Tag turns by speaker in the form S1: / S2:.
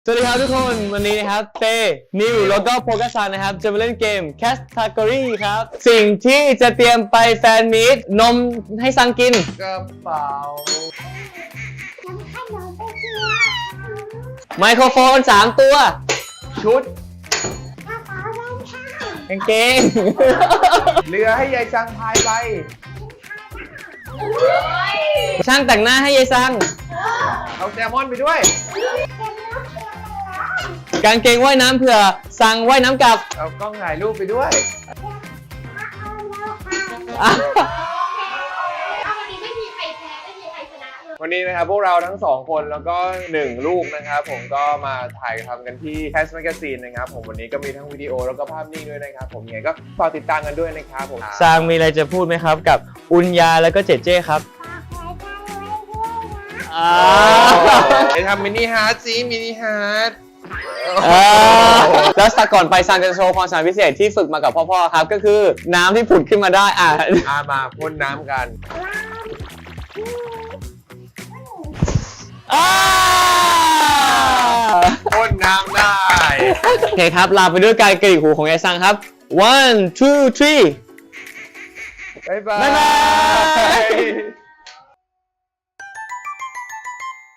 S1: สวัสดีครับทุกคนวันนี้นะครับเต้นิวแล้วก็โฟกัสซันนะครับจะมาเล่นเกม Category ครับสิ่งที่จะเตรียมไปแฟนมีตนมให้ซังกิน
S2: กระเป๋า
S1: ไมโครโฟน3ตัว
S2: ชุด
S1: กางเกง
S2: เรือให้ยายซังพายไป
S1: ช่างแต่งหน้าให้ยายซัง
S2: เอาแซลมอนไปด้วย
S1: กางเกงว่ายน้ำเผื่อซังว่ายน้ำกลับ
S2: เอากล้องถ่ายรูปไปด้วย วันนี้นะครับพวกเราทั้ง2คนแล้วก็1ลูกนะครับผมก็มาถ่ายทำกันที่ Cash Magazine นะครับผมวันนี้ก็มีทั้งวิดีโอแล้วก็ภาพนิ่งด้วยนะครับผมยังไงก็ฝากติดตามกันด้วยนะครับผม
S1: ซังมีอะไรจะพูดไหมครับกับอุนยาแล้วก็เจเจครับ
S2: ไปทำมินิฮาร์ดสิมินิฮาร์ด
S1: แล้วสักก่อนไปซังจะโชว์ความสามารถพิเศษที่ฝึกมากับพ่อๆครับก็คือน้ำที่ผุดขึ้นมาได้
S2: มาพ่นน้ำกันพ่นน้ำได้
S1: โอเคครับลาไปด้วยการกระดิกหูของยายซังครับ 1 2 3
S2: บ๊ายบาย